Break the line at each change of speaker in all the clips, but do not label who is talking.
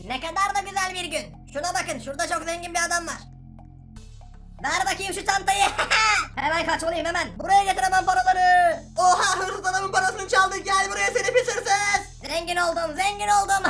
Ne kadar da güzel bir gün. Şuna bakın, şurada çok zengin bir adam var. Ver bakayım şu çantayı. Hemen kaç olayım hemen. Buraya getir hemen paraları.
Oha, hırsız adamın parasını çaldı. Gel buraya seni pis hırsız.
Zengin oldum, zengin oldum.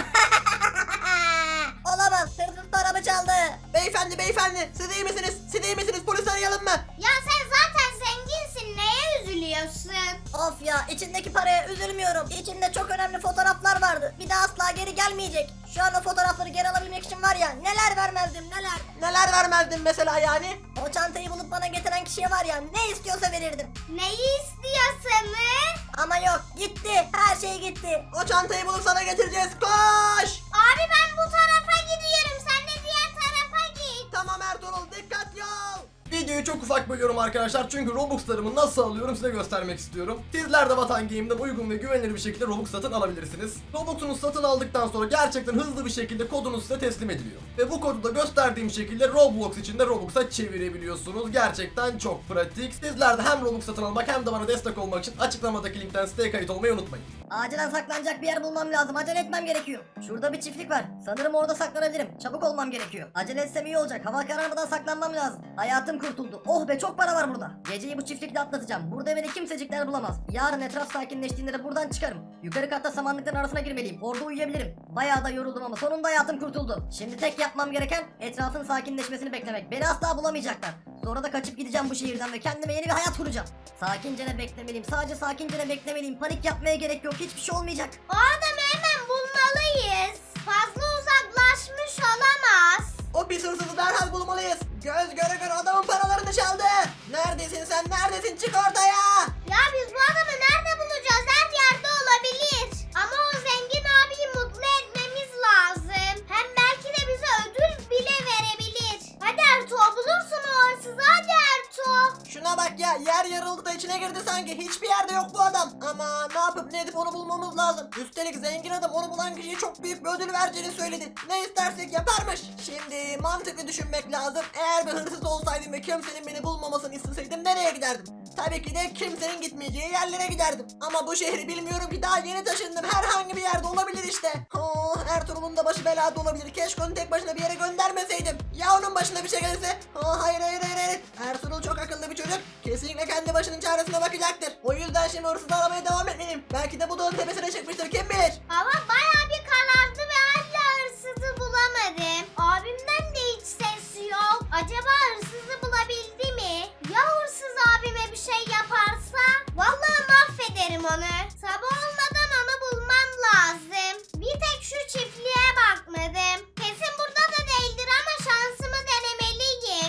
Olamaz, hırsız paramı çaldı.
Beyefendi siz iyi misiniz? Siz iyi misiniz? Polis arayalım mı?
Ya sen zaten zenginsin, neye üzülüyorsun?
Of ya, içindeki paraya üzülmüyorum. İçinde çok önemli fotoğraflar vardı. Bir daha asla geri gelmeyecek. Şu an o fotoğrafları geri alabilmek için var ya, neler vermezdim neler.
Neler vermezdin mesela yani?
O çantayı bulup bana getiren kişiye var ya, ne istiyorsa verirdim.
Neyi istiyorsanız?
Ama yok, gitti, her şey gitti.
O çantayı bulup sana getireceğiz. Koş!
Abi ben bu tarafa gidiyorum, sen de diğer tarafa git.
Tamam Ertuğrul, dikkatli ol. Videoyu çok ufak bölüyorum arkadaşlar çünkü Robux'larımı nasıl alıyorum size göstermek istiyorum. Sizler de Vatan Game'den uygun ve güvenilir bir şekilde Robux satın alabilirsiniz. Robux'unuzu satın aldıktan sonra gerçekten hızlı bir şekilde kodunuz size teslim ediliyor. Ve bu kodu da gösterdiğim şekilde Roblox içinde Robux'a çevirebiliyorsunuz. Gerçekten çok pratik. Sizler de hem Robux satın almak hem de bana destek olmak için açıklamadaki linkten siteye kayıt olmayı unutmayın.
Acilen saklanacak bir yer bulmam lazım. Acele etmem gerekiyor. Şurada bir çiftlik var. Sanırım orada saklanabilirim. Çabuk olmam gerekiyor. Acele etsem iyi olacak. Hava kararmadan saklanmam lazım. Hayatım kurtuldu. Oh be, çok para var burada. Geceyi bu çiftlikte atlatacağım. Burada beni kimsecikler bulamaz. Yarın etraf sakinleştiğinde de buradan çıkarım. Yukarı katta samanlıkların arasına girmeliyim. Orada uyuyabilirim. Bayağı da yoruldum ama sonunda hayatım kurtuldu. Şimdi tek yapmam gereken etrafın sakinleşmesini beklemek. Beni asla bulamayacaklar. Sonra da kaçıp gideceğim bu şehirden ve kendime yeni bir hayat kuracağım. Sakince beklemeliyim. Sadece sakince beklemeliyim. Panik yapmaya gerek yok. Hiçbir şey olmayacak.
O adamı hemen bulmalıyız. Fazla uzaklaşmış olamaz.
O pis hırsızı derhal bulmalıyız. Göz göre göre adamın paralarını çaldı. Neredesin sen? Neredesin? Çık ortaya.
Ya biz bu adamı nerede bulacağız? Her yerde olabilir. Ama o zengin abiyi mutlu etmemiz lazım. Hem belki de bize ödül bile verebilir. Hadi Ertuğ, bulursun o hırsızı. Hadi Ertuğ.
Şuna bak ya, yer yarıldı da içine girdi sanki. Hiçbir yerde yok bu adam. Ama ne yapıp ne edip onu bulmamız lazım. Üstelik zengin adam onu bulan kişiye çok büyük bir ödül vereceğini söyledi. Ne istersek yaparmış. Şimdi mantıklı düşünmek lazım. Eğer bir hırsız olsaydım ve kimsenin beni bulmamasını isteseydim nereye giderdim? Tabii ki de kimsenin gitmeyeceği yerlere giderdim. Ama bu şehri bilmiyorum ki, daha yeni taşındım. Herhangi bir yerde olabilir işte. Oh, Ertuğrul'un da başı belada olabilir. Keşke onu tek başına bir yere göndermeseydim. Ya onun başına bir şey gelirse? Oh, hayır. Ertuğrul çok akıllı bir çocuk. Kesinlikle kendi başının çaresine bakacaktır. O yüzden şimdi hırsızı aramaya devam etmeliyim. Belki de bu dağın tepesine çıkmıştır, kim bilir.
Ama bayağı bir karardı ve hala hırsızı bulamadım. Abimden de hiç ses yok. Acaba hırsızı bulabildi mi? Ya hırsız abime bir şey yaparsa? Vallahi mahvederim onu. Sabah olmadan onu bulmam lazım. Bir tek şu çiftliğe bakmadım. Kesin burada da değildir ama şansımı denemeliyim.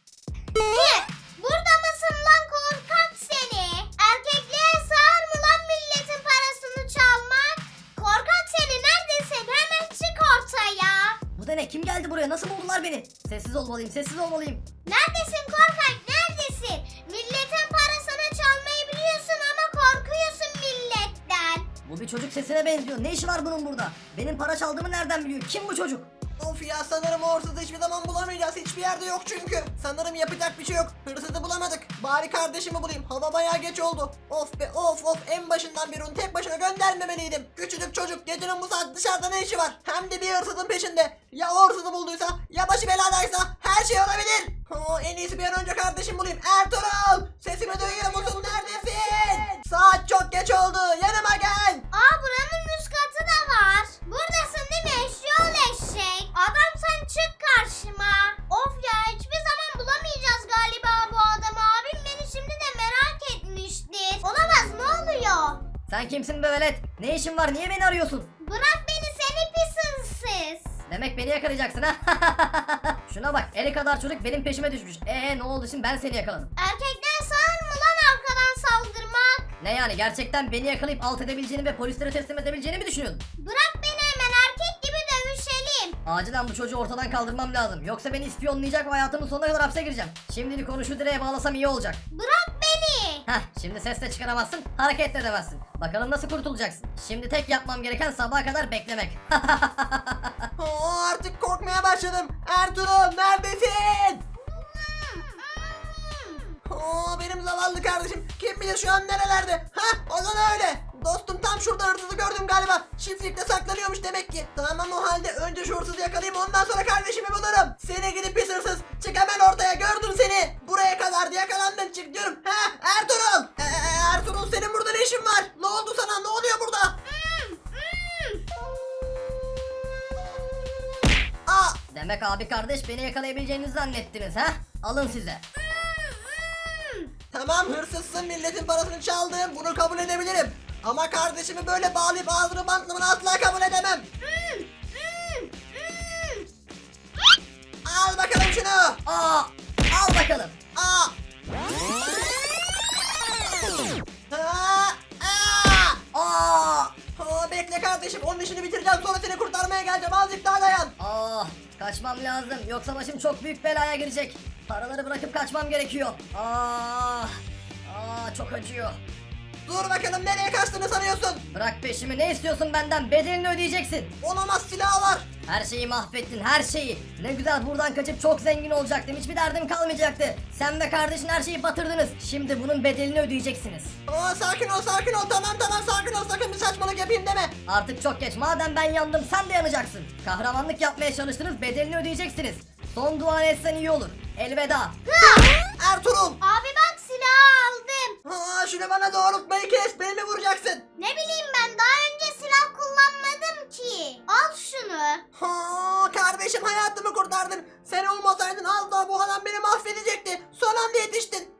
Burada mısın lan korkak seni? Erkekliğe sığar mı lan milletin parasını çalmak? Korkak seni, neredesin? Hemen çık ortaya.
Bu da ne? Kim geldi buraya? Nasıl buldular beni? Sessiz olmalıyım. Sessiz olmalıyım.
Neredesin korkak, neredesin? Milletin parasını çalmayı biliyorsun ama korkuyorsun milletten.
Bu bir çocuk sesine benziyor. Ne işi var bunun burada? Benim para çaldığımı nereden biliyor? Kim bu çocuk?
Of ya, sanırım o hırsızı hiçbir zaman bulamayacağız. Hiçbir yerde yok çünkü. Sanırım yapacak bir şey yok. Hırsızı bulamadık. Bari kardeşimi bulayım. Hava bayağı geç oldu. Of be of. En başından beri onu tek başına göndermemeliydim. Küçücük çocuk gecenin bu saat dışarıda ne işi var? Hem de bir hırsızın peşinde. Ya o hırsızı bulduysa, ya başı beladaysa her şey olabilir. En iyisi bir an önce kardeşimi bulayım. Ertuğrul! Sesimi duyuyor musun? Neredesin? Saat çok geç oldu. Yanıma gel.
Aa, buranın üst katı da var. Buradasın değil mi eşyol eşek? Adam sen çık karşıma. Of ya, hiçbir zaman bulamayacağız galiba bu adamı. Abim beni şimdi de merak etmiştir. Olamaz, ne oluyor?
Sen kimsin be velet? Ne işin var? Niye beni arıyorsun?
Bırak beni seni pis hırsız.
Demek beni yakalayacaksın ha? Şuna bak, eli kadar çocuk benim peşime düşmüş. Ne oldu şimdi, ben seni yakaladım.
Erkekten sağır mı lan arkadan saldırmak?
Ne yani, gerçekten beni yakalayıp alt edebileceğini ve polislere teslim edebileceğini mi düşünüyordun?
Bırak beni, hemen erkek gibi dövüşelim.
Acilen bu çocuğu ortadan kaldırmam lazım. Yoksa beni ispiyonlayacak ve hayatımın sonuna kadar hapse gireceğim. Şimdilik onu şu direğe bağlasam iyi olacak.
Bırak beni.
Heh, şimdi ses de çıkaramazsın, hareket de edemezsin. Bakalım nasıl kurtulacaksın. Şimdi tek yapmam gereken sabaha kadar beklemek.
Artık korkmaya başladım. Ertuğrul neredesin? Benim zavallı kardeşim. Kim bilir şu an nerelerde? O da öyle. Dostum tam Tam şurada hırsızı gördüm galiba. Çiftlikte saklanıyormuş demek ki. Tamam o halde önce şu hırsızı yakalayayım, ondan sonra kardeşimi bulurum. Seni gidip pis hırsız. Çık hemen ortaya, gördüm seni. Buraya kadar yakalandın, çık diyorum. Ertuğrul. Ertuğrul, senin burada ne işin var? Ne oldu sana? Ne oluyor burada? Aa,
Demek abi kardeş beni yakalayabileceğinizi zannettiniz ha? Alın size.
tamam hırsızsın, milletin parasını çaldın, bunu kabul edebilirim. Ama kardeşimi böyle bağlayıp ağzını bantlamanı asla kabul edemem. Al bakalım şunu.
Aa, al bakalım.
Aa. Aa. Aa.
Aa,
Bekle kardeşim, onun işini bitireceğim, sonra seni kurtarmaya geleceğim, azıcık daha dayan.
kaçmam lazım yoksa başım çok büyük belaya girecek. Paraları bırakıp kaçmam gerekiyor. Çok acıyor.
Dur bakalım, nereye kaçtığını sanıyorsun?
Bırak peşimi, ne istiyorsun benden? Bedelini ödeyeceksin.
Olamaz, silah var.
Her şeyi mahvettin, her şeyi. Ne güzel buradan kaçıp çok zengin olacaktım. Hiçbir derdim kalmayacaktı. Sen ve kardeşin her şeyi batırdınız. Şimdi bunun bedelini ödeyeceksiniz.
Sakin ol, sakin ol, tamam sakin ol, sakın bir saçmalık yapayım deme.
Artık çok geç. Madem ben yandım sen de yanacaksın. Kahramanlık yapmaya çalıştınız, bedelini ödeyeceksiniz. Son duanı etsen iyi olur. Elveda.
Ertuğrul.
Abi bak, silahı aldım.
Şunu bana doğrultmayı kes, beni mi vuracaksın?
Ne bileyim, ben daha önce silah kullanmadım ki. Al şunu.
Kardeşim, hayatımı kurtardın. Sen olmasaydın az daha bu adam beni mahvedecekti. Son anda yetiştin.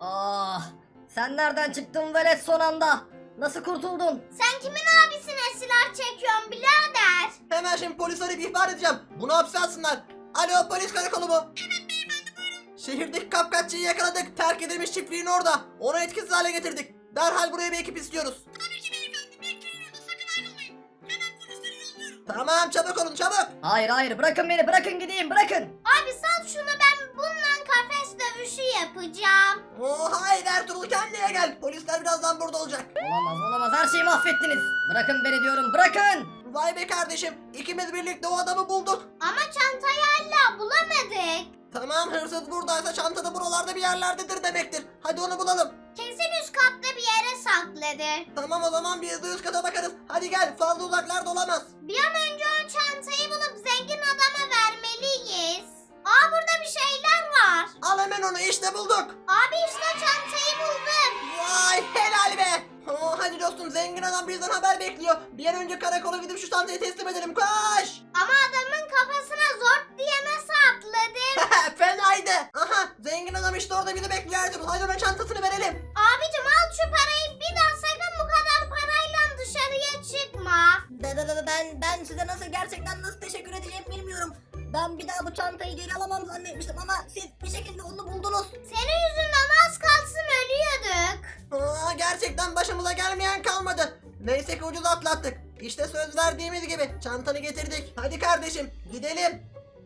Sen nereden çıktın velet son anda? Nasıl kurtuldun?
Sen kimin abisine silah çekiyorsun birader?
Hemen şimdi polis arayıp ihbar edeceğim. Bunu hapse alsınlar. Alo, polis karakolu mu? Evet beyefendi, buyurun. Şehirdeki kapkaççıyı yakaladık. Terk edilmiş çiftliğin orada. Onu etkisiz hale getirdik. Derhal buraya bir ekip istiyoruz. Tabii ki beyefendi, bekleyin orada, sakın ayrılmayın. Hemen polisleri yolluyorum. Tamam, çabuk olun, çabuk.
Hayır bırakın beni, bırakın gideyim, bırakın.
Abi sal şunu, ben bununla kafes dövüşü yapacağım.
Hayır Ertuğrul, kendine gel. Polisler birazdan burada olacak.
Olamaz, her şeyi mahvettiniz. Bırakın beni diyorum, bırakın.
Vay be kardeşim, ikimiz birlikte o adamı bulduk.
Ama çantayı hala bulamadık.
Tamam, hırsız buradaysa çanta da buralarda bir yerlerdedir demektir. Hadi onu bulalım.
Kesin üst katta bir yere sakladı.
Tamam, o zaman bir hızlı üst kata bakarız. Hadi gel, fazla uzaklarda olamaz.
Bir an önce o çantayı bulup zengin adama vermeliyiz. Aa, burada bir şeyler var.
Al hemen onu, işte bulduk.
Abi işte çantayı buldum.
Vay, helal be. Hadi dostum, zengin adam bizden haber bekliyor. Bir an önce karakola gidip şu çantayı teslim edelim, koş.
Ama adamın kafasına zort diye nasıl atladım?
Fenaydı. Aha, zengin adam işte orada bizi bekliyor Ertuğrul. Hadi ona çantasını verelim.
Abicim al şu parayı, bir daha sakın bu kadar parayla dışarıya çıkma.
Ben size nasıl teşekkür edeceğimi bilmiyorum. Ben bir daha bu çantayı geri alamam zannetmiştim ama siz bir şekilde onu buldunuz.
Senin yüzünden az kalsın ölüyorduk.
Gerçekten başımıza gelmeyen kalmadı. Neyse ki ucuz atlattık. İşte söz verdiğimiz gibi çantanı getirdik. Hadi kardeşim, gidelim.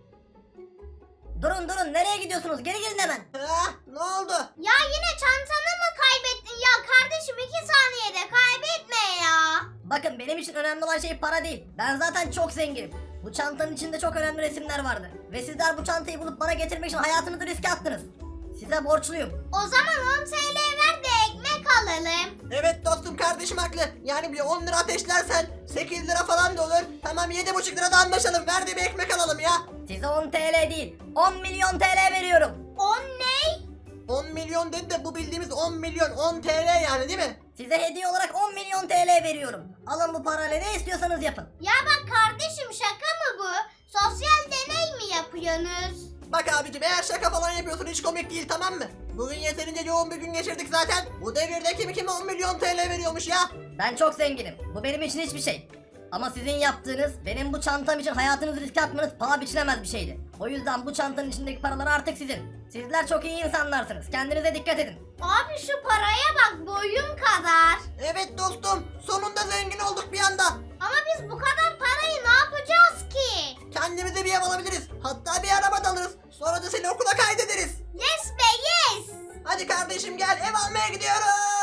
Durun nereye gidiyorsunuz? Geri gelin hemen.
Ne oldu?
Ya yine çantanı mı kaybettin ya kardeşim, 2 saniyede kaybetme ya.
Bakın benim için önemli olan şey para değil. Ben zaten çok zenginim. Bu çantanın içinde çok önemli resimler vardı. Ve sizler bu çantayı bulup bana getirmek için hayatınızı riske attınız. Size borçluyum.
O zaman 10 TL ver de ekmek alalım.
Evet dostum, kardeşim haklı. Yani bir 10 lira ateşlersen 8 lira falan da olur. Tamam, 7,5 lira da anlaşalım. Ver de bir ekmek alalım ya.
Size 10 TL değil, 10 milyon TL veriyorum.
10 ne?
10 milyon dedi de bu bildiğimiz 10 milyon, 10 TL yani, değil mi?
Size hediye olarak 10 milyon TL veriyorum. Alın bu parayla ne istiyorsanız yapın.
Ya bak kardeşim, şaka mı bu? Sosyal deney mi yapıyorsunuz?
Bak abicim, eğer şaka falan yapıyorsun hiç komik değil, tamam mı? Bugün yeterince yoğun bir gün geçirdik zaten. Bu devirde kim kime 10 milyon TL veriyormuş ya?
Ben çok zenginim. Bu benim için hiçbir şey. Ama sizin yaptığınız, benim bu çantam için hayatınızı riske atmanız paha biçilemez bir şeydi. O yüzden bu çantanın içindeki paralar artık sizin. Sizler çok iyi insanlarsınız. Kendinize dikkat edin.
Abi şu paraya bak, boyum kadar.
Evet dostum, sonunda zengin olduk bir anda.
Ama biz bu kadar parayı ne yapacağız ki?
Kendimize bir ev alabiliriz. Hatta bir araba da alırız. Sonra da seni okula kaydederiz.
Yes be yes.
Hadi kardeşim gel, ev almaya gidiyoruz.